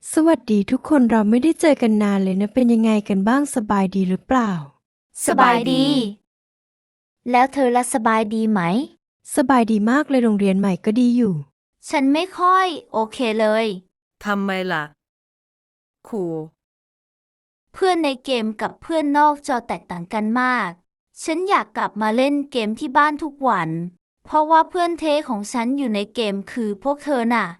สวัสดีทุกคนเราไม่ได้เจอกันนานเลยนะเป็นยังไงกันบ้างสบายดีหรือเปล่าสบายดี แล้วเธอละสบายดีไหมสบายดีมากเลยโรงเรียนใหม่ก็ดีอยู่ฉันไม่ค่อยโอเคเลยทำไมล่ะครูเพื่อนในเกมกับเพื่อนนอกจอแตกต่างกันมาก ฉันอยากกลับมาเล่นเกมที่บ้านทุกวัน เพราะว่าเพื่อนเทของฉันอยู่ในเกมคือพวกเธอน่ะ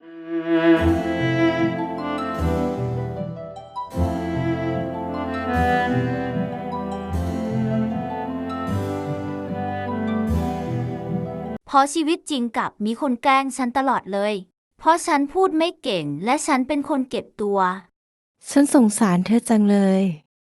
เพราะชีวิตจริงกับมีคนแกล้งฉันตลอดเลย เพราะฉันพูดไม่เก่งและฉันเป็นคนเก็บตัวฉันสงสารเธอจังเลย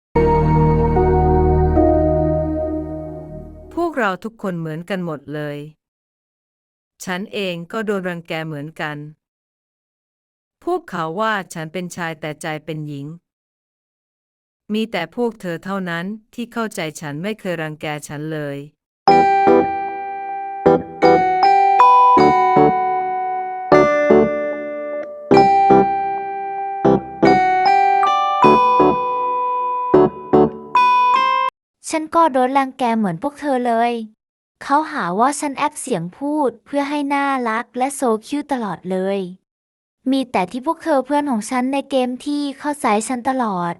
พวกเราทุกคนเหมือนกันหมดเลย ฉันเองก็โดนรังแกเหมือนกัน พวกเขาว่าฉันเป็นชายแต่ใจเป็นหญิง มีแต่พวกเธอเท่านั้นที่เข้าใจฉันไม่เคยรังแกฉันเลยฉันก็โดนรังแกเหมือนพวกเธอเลย เขาหาว่าฉันแอบเสียงพูดเพื่อให้น่ารักและโซคิวตลอดเลย มีแต่ที่พวกเธอเพื่อนของฉันในเกมที่เข้าใจฉันตลอด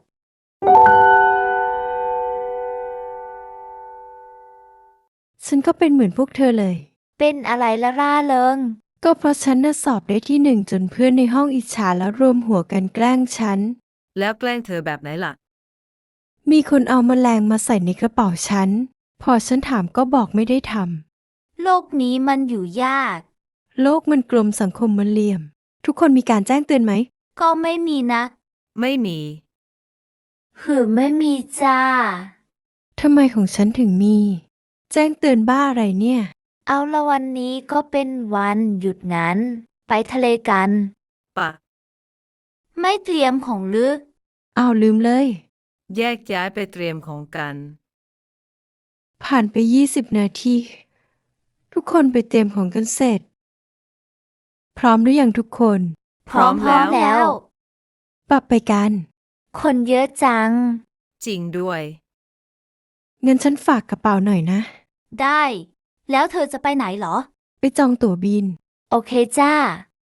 ฉันก็เป็นเหมือนพวกเธอเลยเป็นอะไรละร่าเริงก็เพราะฉันน่ะสอบได้ที่หนึ่งจนเพื่อนในห้องอิจฉาแล้วรวมหัวกันแกล้งฉันแล้วแกล้งเธอแบบไหนล่ะมีคนเอาแมลงมาใส่ในกระเป๋าฉันพอฉันถามก็บอกไม่ได้ทโลกนี้มันอยู่ยากำโลกมันกลมสังคมมันเหลี่ยมทุกคนมีการแจ้งเตือนไหมก็ไม่มีนะไม่มีไม่มีจ้าทำไมของฉันถึงมี แจ้งเตือนบ้าอะไรเนี่ยเอาละวันนี้ก็เป็นวันหยุดงานไปทะเลกันปะไม่เตรียมของลึกอ้าวลืมเลยแยกย้ายไปเตรียมของกันผ่านไป20 นาที ทุกคนไปเตรียมของกันเสร็จ พร้อมหรือยังทุกคนพร้อมแล้วแล้วปรับไปกันคนเยอะจังจริงด้วยเงินฉันฝากกระเป๋าหน่อยนะได้ แล้วเธอจะไปไหนเหรอไปจองตั๋วบินโอเคจ้า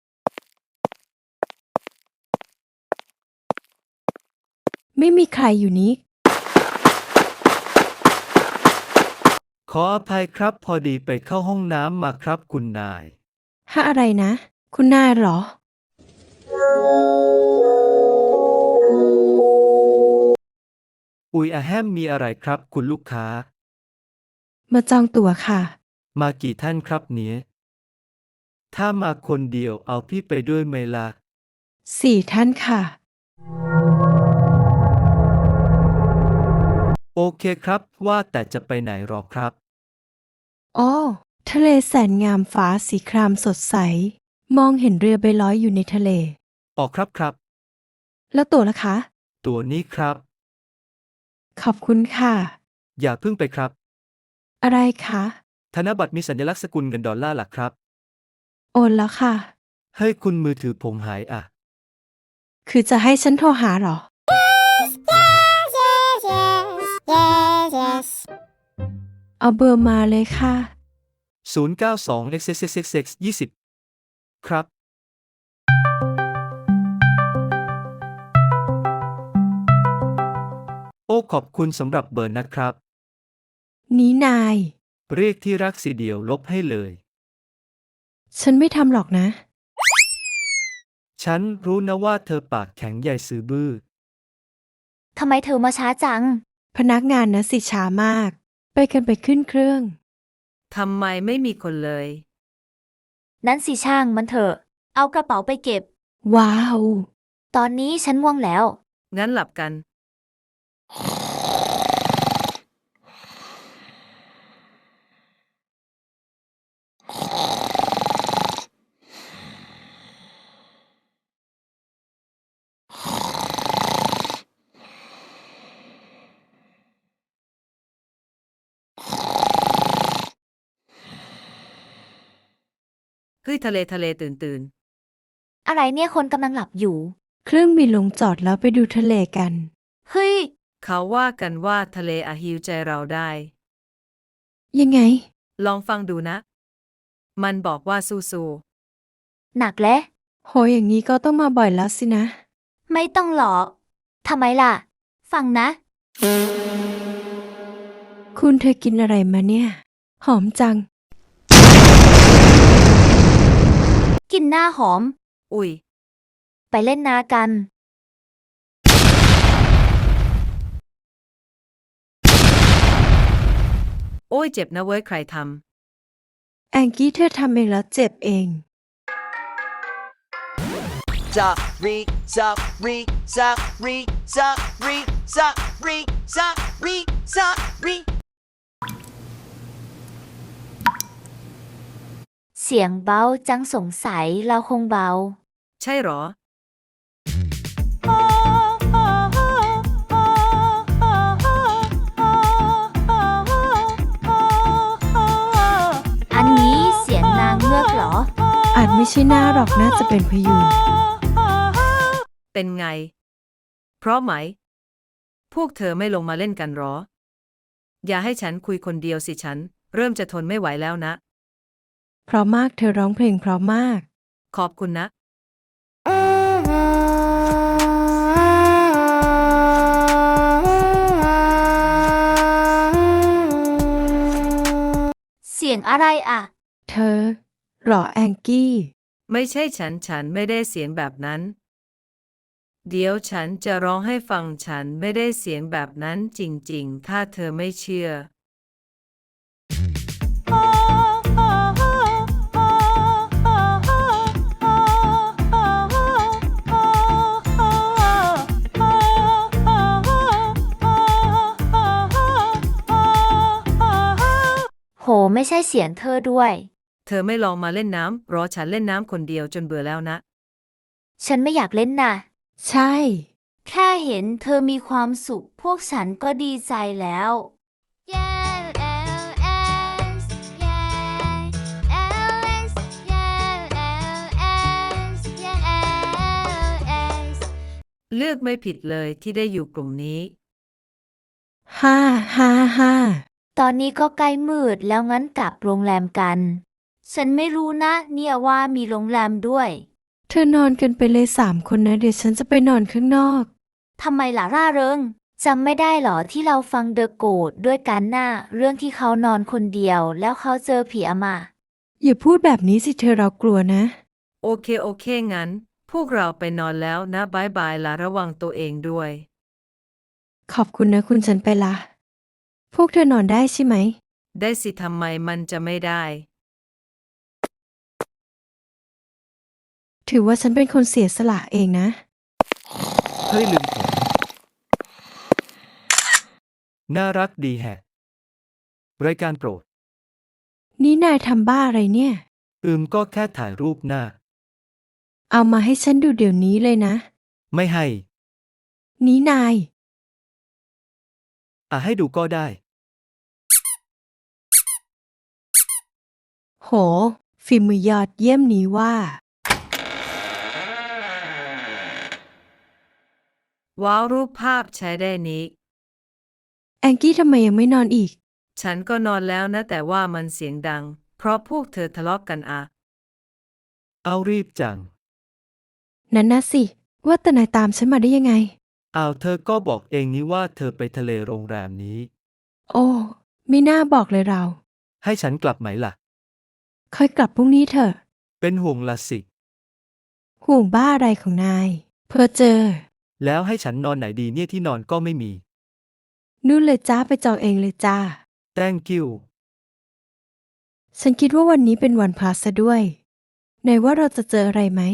ไม่มีใครอยู่นี้ขออภัยครับพอดีไปเข้าห้องน้ำมาครับคุณนายอะไรนะ คุณนายเหรออุ๊ยอะแฮมมีอะไรครับคุณลูกค้ามาจองตั๋วค่ะมากี่ท่านครับเนี่ยถ้ามาคนเดียวเอาพี่ไปด้วยไหมล่ะ 4 ท่านค่ะโอเคครับว่าแต่จะไปไหนหรอครับอ้อทะเลแสนงามฟ้าสีครามสดใส มองเห็นเรือใบลอยอยู่ในทะเลออกครับครับแล้วตั๋วล่ะคะตัวนี้ครับขอบคุณค่ะอย่าเพิ่งไปครับอะไรคะธนบัตรมีสัญลักษณ์สกุลเงินดอลลาร์ล่ะครับโอนแล้วค่ะเฮ้ยคุณมือถือผมหายอ่ะคือจะให้ฉันโทรหาเหรอ เอาเบอร์มาเลยค่ะ 092 xxxxx 20ครับ โอ้ขอบคุณสำหรับเบอร์นะครับนี้นายเรียกที่รักสีเดียวลบให้เลยฉันไม่ทำหรอกนะฉันรู้นะว่าเธอปากแข็งใหญ่ซื้อบื้อทำไมเธอมาช้าจังพนักงานนะสิช้ามาก ไปกันไปขึ้นเครื่องทำไมไม่มีคนเลยนั้นสิช่างมันเถอะ เอากระเป๋าไปเก็บว้าวตอนนี้ฉันง่วงแล้วงั้นหลับกัน เฮ้ยทะเลตื่นอะไรเนี่ยคนกำลังหลับอยู่เครื่องบินลงจอดแล้วไปดูทะเลกันเฮ้ยเขาว่ากันว่าทะเลอาจฮีลใจเราได้ยังไงลองฟังดูนะ มันบอกว่าสู้หนักและโหอย่างนี้ก็ต้องมาบ่อยแล้วสินะไม่ต้องหรอกทำไมล่ะ ฟังนะคุณเธอกินอะไรมาเนี่ย หอมจังกินหน้าหอมๆ อุ๊ยไปเล่นนากันโอ้ยเจ็บนะเว้ยใครทแองกี้เธอทำเองแล้วเจ็บเอง Sorry, sorry, sorry, sorry, sorry, sorry, sorry. เสียงเบาจังสงสัยเราคงเบาำใช่หรออันนี้เสียงนางเงือกเหรออาจไม่ใช่หน้าหรอกน่าจะเป็นพยูนเป็นไง เพราะไหม พวกเธอไม่ลงมาเล่นกันหรอ อย่าให้ฉันคุยคนเดียวสิฉัน เริ่มจะทนไม่ไหวแล้วนะเพราะมากเธอร้องเพลงเพราะมากขอบคุณนะเสียงอะไรอ่ะเธอหรอแองกี้ไม่ใช่ฉันไม่ได้เสียงแบบนั้น เดี๋ยวฉันจะร้องให้ฟังฉันไม่ได้เสียงแบบนั้นจริงๆ ถ้าเธอไม่เชื่อโหไม่ใช่เสียงเธอด้วยเธอไม่ลองมาเล่นน้ำรอฉันเล่นน้ำคนเดียวจนเบื่อแล้วนะฉันไม่อยากเล่นน่ะใช่แค่เห็นเธอมีความสุข พวกฉันก็ดีใจแล้วเลือกไม่ผิดเลยที่ได้อยู่กลุ่มนี้ฮ่าฮ่าฮ่าตอนนี้ก็ใกล้มืดแล้วงั้นกลับโรงแรมกัน ฉันไม่รู้นะเนี่ยว่ามีโรงแรมด้วยเธอนอนกันไปเลย3 คนนะ เดี๋ยวฉันจะไปนอนข้างนอกทำไมล่ะร่าเริงจำไม่ได้หรอที่เราฟังเดอะโกดด้วยกันน่ะเรื่องที่เขานอนคนเดียวแล้วเขาเจอผีอำมาอย่าพูดแบบนี้สิเธอเรากลัวนะโอเคงั้น พวกเราไปนอนแล้วนะบายบายละระวังตัวเองด้วยขอบคุณนะคุณฉันไปละ พวกเธอนอนได้ใช่ไหมได้สิทำไมมันจะไม่ได้ถือว่าฉันเป็นคนเสียสละเองนะเฮ้ยลืมผมน่ารักดีแฮะ รายการโปรดนี่นายทำบ้าอะไรเนี่ยก็แค่ถ่ายรูปหน้าเอามาให้ฉันดูเดี๋ยวนี้เลยนะไม่ให้นี่นายให้ดูก็ได้โห ฝีมือยอดเยี่ยมนี้ว่าว้าวรูปภาพใช้ได้นี้แองกี้ทำไมยังไม่นอนอีกฉันก็นอนแล้วนะแต่ว่ามันเสียงดัง เพราะพวกเธอทะเลาะกันอะเอารีบจังนั่นนะสิ ว่าแต่นายตามฉันมาได้ยังไงเธอก็บอกเองนี่ว่าเธอไปทะเลโรงแรมนี้โอ้ไม่น่าบอกเลยเราให้ฉันกลับไหมล่ะค่อยกลับพรุ่งนี้เถอะเป็นห่วงละสิห่วงบ้าอะไรของนาย เพื่อเจอแล้วให้ฉันนอนไหนดีเนี่ยที่นอนก็ไม่มีนู่นเลยจ้าไปจองเองเลยจ้า thank you ฉันคิดว่าวันนี้เป็นวันพระซะด้วยไหนว่าเราจะเจออะไรไหม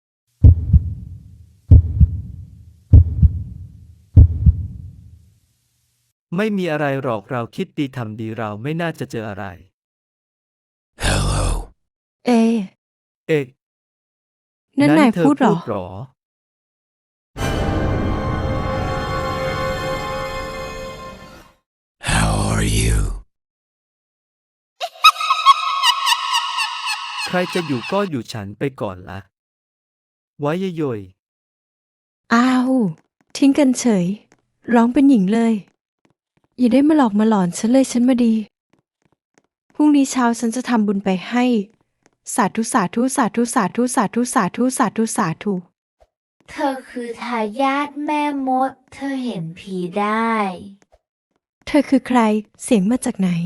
ไม่มีอะไรหรอกเราคิดดีทำดีเราไม่น่าจะเจออะไรเอะเอ๊ะนั่นนายเธอพูดเหรอหรอ How are you? ใครจะอยู่ก็อยู่ฉันไปก่อนละ ไว้เยยอ้าว ทิ้งกันเฉย ร้องเป็นหญิงเลย อย่าได้มาหลอกมาหลอนฉันเลยฉันมาดี พรุ่งนี้เช้าฉันจะทำบุญไปให้ สาธุสาธุสาธุสาธุสาธุสาธุสาธุสาธุเธอคือทายาทแม่มด เธอเห็นผีได้เธอคือใคร เสียงมาจากไหน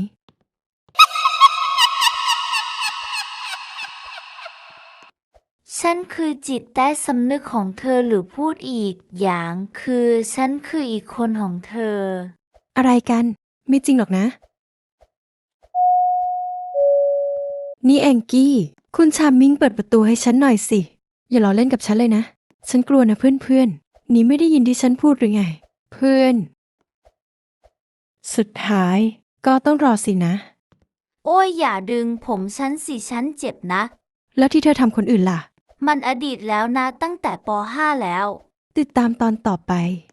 ฉันคือจิตใต้สำนึกของเธอหรือพูดอีกอย่างคือฉันคืออีกคนของเธออะไรกัน ไม่จริงหรอกนะ นี่แองกี้ คุณชามมิ่งเปิดประตูให้ฉันหน่อยสิ อย่าล้อเล่นกับฉันเลยนะ ฉันกลัวนะเพื่อนๆ นี่ไม่ได้ยินที่ฉันพูดหรือไง เพื่อน สุดท้ายก็ต้องรอสินะโอ้ยอย่าดึงผมฉันสิฉันเจ็บนะแล้วที่เธอทำคนอื่นล่ะมันอดีตแล้วนะตั้งแต่ป .5 แล้วติดตามตอนต่อไป